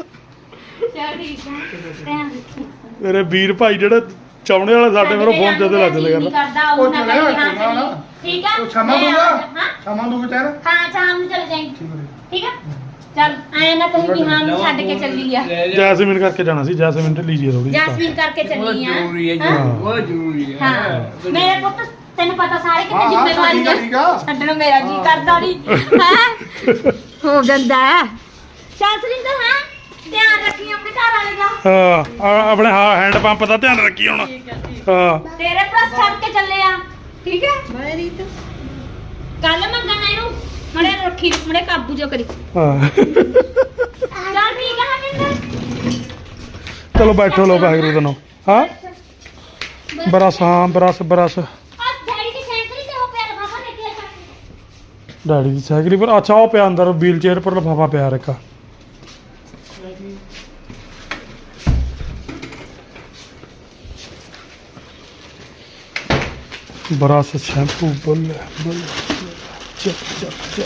Speaker 1: ਚੱਲ ਠੀਕ ਆ ਧਿਆਨ ਰੱਖੀ
Speaker 2: ਮੇਰੇ ਵੀਰ ਭਾਈ ਜਿਹੜੇ ਚਾਉਣੇ ਵਾਲੇ ਸਾਡੇ ਮੇਰੇ ਫੋਨ ਤੇ ਲੱਗ ਜਲੇ
Speaker 1: ਨਹੀਂ
Speaker 2: ਕਰਦਾ
Speaker 1: ਕਰਦਾ ਉਹ ਨਾ
Speaker 3: ਉਹ
Speaker 1: ਕਰੀ
Speaker 3: ਚਲੇ
Speaker 1: ਹਾਂ
Speaker 3: ਨਾ, ਨਾ।
Speaker 1: ਚੱਲੀ ਠੀਕ ਆ
Speaker 3: ਉਹ ਸ਼ਾਮਾਂ
Speaker 1: ਮੈਂ
Speaker 3: ਦੂੰਗਾ
Speaker 1: ਹਾਂ
Speaker 3: ਸ਼ਾਮਾਂ ਦੂੰਗਾ ਚਾਹ
Speaker 1: ਹਾਂ ਸ਼ਾਮ ਨੂੰ ਚਲੇ ਜਾਈਂ
Speaker 3: ਠੀਕ ਹੈ
Speaker 1: ਠੀਕ ਆ ਚੱਲ ਐ ਨਾ ਕਹੀਂ ਵੀ ਹਾਂ ਨੂੰ ਛੱਡ ਕੇ ਚੱਲੀ ਆ
Speaker 2: ਜੈਸਮੀਨ ਕਰਕੇ ਜਾਣਾ ਸੀ ਜੈਸਮੀਨ ਢਿੱਲੀ ਜੀ ਥੋੜੀ
Speaker 1: ਜੈਸਮੀਨ ਕਰਕੇ ਚੱਲੀ ਆ ਹਾਂ
Speaker 2: ਹਾਂ
Speaker 7: ਜ਼ਰੂਰੀ ਹੈ
Speaker 1: ਹਾਂ ਮੇਰੇ ਪੁੱਤ ਤੈਨੂੰ ਪਤਾ ਸਾਰੇ
Speaker 3: ਹਾਂ,
Speaker 1: ਕਿਤੇ
Speaker 3: ਹਾਂ,
Speaker 1: ਜ਼ਿੰਮੇਵਾਰੀ
Speaker 3: ਠੀਕ ਆ, ਠੀਕ ਆ।
Speaker 1: ਛੱਡਣ ਮੇਰਾ ਜੀ ਕਰਦਾ ਨਹੀਂ ਹੈ ਹੋ ਜਾਂਦਾ ਹੈ ਚੱਲ ਸਰਿੰਦਰ ਹਾਂ ਧਿਆਨ ਰੱਖੀ ਆਪਣੇ ਘਰ ਵਾਲੇ ਦਾ
Speaker 2: ਹਾਂ ਆ- ਆਪਣੇ ਹਾਂ ਹੈਂਡ ਪੰਪ ਦਾ ਧਿਆਨ ਰੱਖੀ ਹੁਣ ਹਾਂ
Speaker 1: ਤੇਰੇ ਪਲਸ ਛੱਡ ਕੇ ਚੱਲੇ ਆ ਠੀਕ ਹੈ ਮੈਂ ਰੀਤ ਕੱਲ ਮੰਗਣਾ ਇਹਨੂੰ ਮੜੇ ਰੱਖੀ ਮੜੇ ਕਾਬੂ ਜੋ ਕਰੀ
Speaker 2: ਹਾਂ
Speaker 1: ਚੱਲ ਠੀਕ ਆ ਹਮਿੰਦਰ
Speaker 2: ਚਲੋ ਬੈਠੋ ਲੋ ਵਾਹਿਗੁਰੂ ਦਾ ਨਾਮ ਹਾਂ ਬਰਸ ਹਾਂ ਬਰਸ ਬਰਸ
Speaker 1: ਆ ਡੈਡੀ ਦੀ ਸਾਈਕਲ ਤੇ ਹੋ ਪਿਆ ਲਫਾਫਾ ਲੈ ਕੇ ਆ
Speaker 2: ਡੈਡੀ ਦੀ ਸਾਈਕਲ ਪਰ ਅੱਛਾ ਉਹ ਪਿਆ ਅੰਦਰ ਵੀਲ ਚੇਅਰ ਪਰ ਲਿਫਾਫਾ ਪਿਆ ਰੱਖਾ ਬਰਸ਼ ਸ਼ੈਂਪੂ ਬੱਲੇ ਬੱਲੇ ਚੱਲ ਚੱਲ ਚੱਲ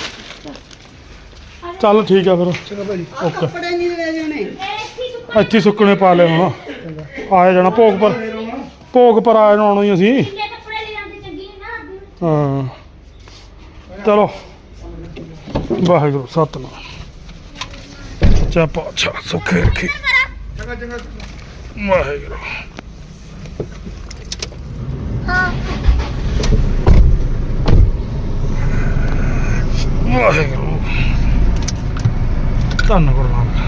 Speaker 2: ਚੱਲ ਠੀਕ ਆ ਫਿਰ
Speaker 3: ਚੰਗਾ ਭਾਜੀ
Speaker 2: ਓਕੇ
Speaker 4: ਕੱਪੜੇ ਨਹੀਂ ਲੈ ਜਾਣੇ
Speaker 2: ਇੱਥੇ ਹੀ ਸੁੱਕਣੇ ਪਾ ਲਏ ਹੁਣ ਆਏ ਜਾਣਾ ਭੋਗ ਪਰ ਭੋਗ ਪਰ ਆਏ ਨੂੰ ਆਉਣਾ ਹੀ ਅਸੀਂ
Speaker 1: ਕਿੰਨੇ ਕੱਪੜੇ ਲੈ ਜਾਂਦੇ ਚੰਗੀ ਨਾ
Speaker 2: ਹਾਂ ਚਲੋ ਵਾਹਿਗੁਰੂ ਸਤਿਨਾਮ ਸੱਚਾ ਪਾਤਸ਼ਾਹ ਸੁਖੇ ਰੱਖੀ
Speaker 3: ਚੰਗਾ ਚੰਗਾ
Speaker 2: ਵਾਹਿਗੁਰੂ ਵਾਹਿਗੁਰੂ ਧੰਨ ਗੁਰੂ ਨਾਨਕ